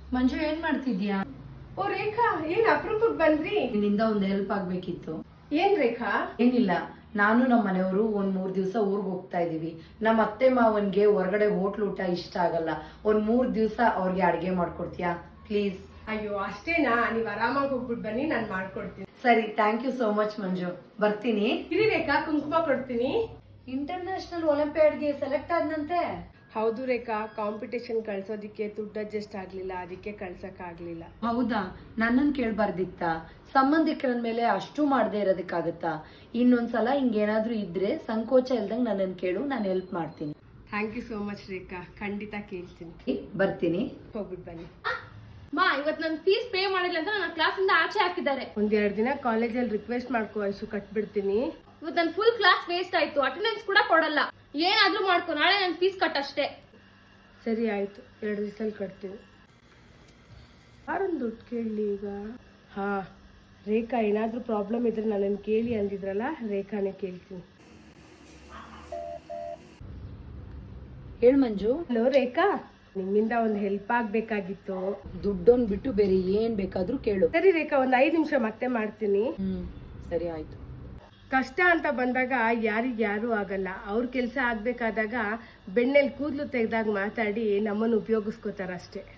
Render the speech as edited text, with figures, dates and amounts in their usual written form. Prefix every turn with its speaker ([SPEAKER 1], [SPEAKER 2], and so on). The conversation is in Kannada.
[SPEAKER 1] ಮಂಜು ಏನ್ ಮಾಡ್ತಿದ್ಯಾ?
[SPEAKER 2] ಓ ರೇಖಾ, ಏನ್ ಅಪರೂಪಕ್ಕೆ ಬಂದ್ರಿ?
[SPEAKER 1] ನಿನ್ನಿಂದ ಒಂದ್ ಹೆಲ್ಪ್ ಆಗ್ಬೇಕಿತ್ತು.
[SPEAKER 2] ಏನ್ ರೇಖಾ?
[SPEAKER 1] ಏನಿಲ್ಲ, ನಾನು ನಮ್ಮ ಮನೆಯವರು ಒಂದ್ 3 ದಿವಸ ಊರ್ಗ್ ಹೋಗ್ತಾ ಇದೀವಿ. ನಮ್ಮ ಅತ್ತೆ ಮಾವನ್ಗೆ ಹೊರಗಡೆ ಹೋಟ್ಲ್ ಊಟ ಇಷ್ಟ ಆಗಲ್ಲ. ಒಂದ್ 3 ದಿವಸ ಅವ್ರಿಗೆ ಅಡ್ಗೆ ಮಾಡ್ಕೊಡ್ತೀಯಾ ಪ್ಲೀಸ್?
[SPEAKER 2] ಅಯ್ಯೋ ಅಷ್ಟೇನಾ? ನೀವ್ ಆರಾಮಾಗಿ ಹೋಗ್ಬಿಟ್ಟು ಬನ್ನಿ, ನಾನ್ ಮಾಡ್ಕೊಡ್ತೀನಿ.
[SPEAKER 1] ಸರಿ, thank you so much Manju. ಬರ್ತೀನಿ.
[SPEAKER 2] ಇರಿ ರೇಖಾ, ಕುಂಕುಮ ಕೊಡ್ತೀನಿ.
[SPEAKER 1] ಇಂಟರ್ನ್ಯಾಷನಲ್ ಒಲಿಂಪಿಯಾಡ್ಗೆ ಸೆಲೆಕ್ಟ್ ಆದ್ನಂತೆ.
[SPEAKER 2] ಹೌದು ರೇಖಾ, ಕಾಂಪಿಟೇಷನ್ ಕಳ್ಸೋದಿಕ್ಕೆ ದುಡ್ಡು ಅಡ್ಜಸ್ಟ್ ಆಗ್ಲಿಲ್ಲ, ಅದಕ್ಕೆ ಕಳ್ಸಕ್ ಆಗ್ಲಿಲ್ಲ.
[SPEAKER 1] ಹೌದಾ? ನನ್ನನ್ ಕೇಳ್ಬಾರ್ದಿತ್ತ? ಸಂಬಂಧಿಕರ ಮೇಲೆ ಅಷ್ಟು ಮಾಡದೇ ಇರೋದಕ್ಕಾಗತ್ತಾ? ಇನ್ನೊಂದ್ಸಲ ಹಿಂಗೇನಾದ್ರೂ ಇದ್ರೆ ಸಂಕೋಚ ಇಲ್ದಂಗ್ ನನ್ನನ್ ಕೇಳು, ನಾನು ಹೆಲ್ಪ್ ಮಾಡ್ತೀನಿ.
[SPEAKER 2] Thank you so much Rekha, ಖಂಡಿತ ಕೇಳ್ತೀನಿ.
[SPEAKER 1] ಬರ್ತೀನಿ.
[SPEAKER 2] ಹೋಗ್ಬಿಟ್ಟು ಬನ್ನಿ.
[SPEAKER 3] ಮಾ, ಇವತ್ತು ನನ್ನ ಫೀಸ್ ಪೇ ಮಾಡಿಲ್ಲ ಅಂತ ನನ್ನ ಕ್ಲಾಸಿಂದ ಆಚೆ ಹಾಕಿದ್ದಾರೆ.
[SPEAKER 2] ಒಂದೆರಡು ದಿನ ಕಾಲೇಜಲ್ಲಿ ರಿಕ್ವೆಸ್ಟ್ ಮಾಡ್ಕೋ ಐಶು, ಕಟ್ಬಿಡ್ತೀನಿ.
[SPEAKER 3] ಇವತ್ತು ನನ್ನ ಫುಲ್ ಕ್ಲಾಸ್ ವೇಸ್ಟ್ ಆಯ್ತು, ಅಟೆಂಡೆನ್ಸ್ ಕೂಡ ಕೊಡಲ್ಲ. ಏನಾದ್ರೂ ಮಾಡ್ಕೊ, ನಾಳೆ ನನ್ನ ಫೀಸ್ ಕಟ್ ಅಷ್ಟೇ.
[SPEAKER 2] ಸರಿ ಆಯ್ತು, 2 ದಿವಸದಲ್ಲಿ ಕಟ್ತೀನಿ. ಯಾರೊಂದು ದುಡ್ಡು ಕೇಳಲಿ ಈಗ? ಹಾ, ರೇಖಾ ಏನಾದ್ರೂ ಪ್ರಾಬ್ಲಮ್ ಇದ್ರೆ ನನ್ನನ್ನು ಕೇಳಿ ಅಂದಿದ್ರಲ್ಲ, ರೇಖಾನೇ ಕೇಳ್ತೀನಿ.
[SPEAKER 1] ಹೇಳ್ ಮಂಜು.
[SPEAKER 2] ಹಲೋ ರೇಖಾ, ನಿಮ್ಮಿಂದ ಒಂದು ಹೆಲ್ಪ್ ಆಗ್ಬೇಕಾಗಿತ್ತು.
[SPEAKER 1] ದುಡ್ಡೊಂದ್ ಬಿಟ್ಟು ಬೇರೆ ಏನ್ ಬೇಕಾದ್ರೂ ಕೇಳು.
[SPEAKER 2] ಸರಿ ರೇಖಾ, ಒಂದ್ 5 ನಿಮಿಷ ಮತ್ತೆ ಮಾಡ್ತೀನಿ.
[SPEAKER 1] ಸರಿ ಆಯ್ತು.
[SPEAKER 2] ಕಷ್ಟ ಅಂತ ಬಂದಾಗ ಯಾರಿಗ್ಯಾರು ಆಗಲ್ಲ. ಅವ್ರ ಕೆಲಸ ಆಗ್ಬೇಕಾದಾಗ ಬೆಣ್ಣೆಲ್ ಕೂದಲು ತೆಗ್ದಾಗ ಮಾತಾಡಿ ನಮ್ಮನ್ನು ಉಪಯೋಗಿಸ್ಕೋತಾರ ಅಷ್ಟೇ.